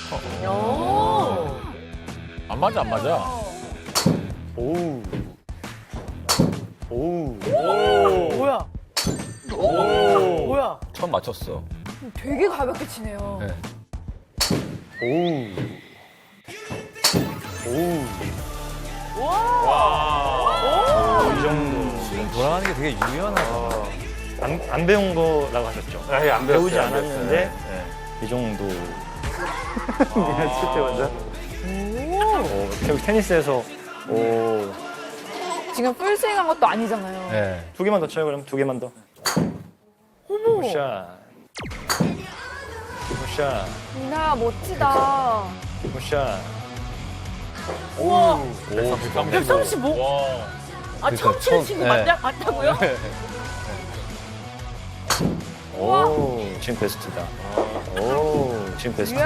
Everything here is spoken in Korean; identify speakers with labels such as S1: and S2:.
S1: 안 맞아, 안 맞아.
S2: 오우. 오우.
S3: 뭐야? 뭐야?
S1: 처음 맞췄어.
S3: 되게 가볍게 치네요.
S1: 네.
S2: 오우. 오우. 이 정도.
S1: 돌아가는 게 되게 유연하다.
S2: 안 배운 거라고 하셨죠?
S4: 아예 안
S2: 배우지
S4: 배웠어요, 안
S2: 않았는데
S4: 배웠어요.
S2: 이 정도. 그냥 칠 때마다. 결국 테니스에서
S3: 지금 풀스윙한 것도 아니잖아요.
S1: 네.
S2: 2개만 더 쳐요, 그럼 2개만 더.
S3: 어머,
S2: 굿샷. 굿샷.
S3: 이나야 멋지다.
S2: 굿샷.
S3: 우와,
S1: 135. 와.
S3: 아 처음 치는 친구
S1: 네.
S3: 맞다고요?
S2: 오, 지금 베스트다. 오, 지금 베스트다.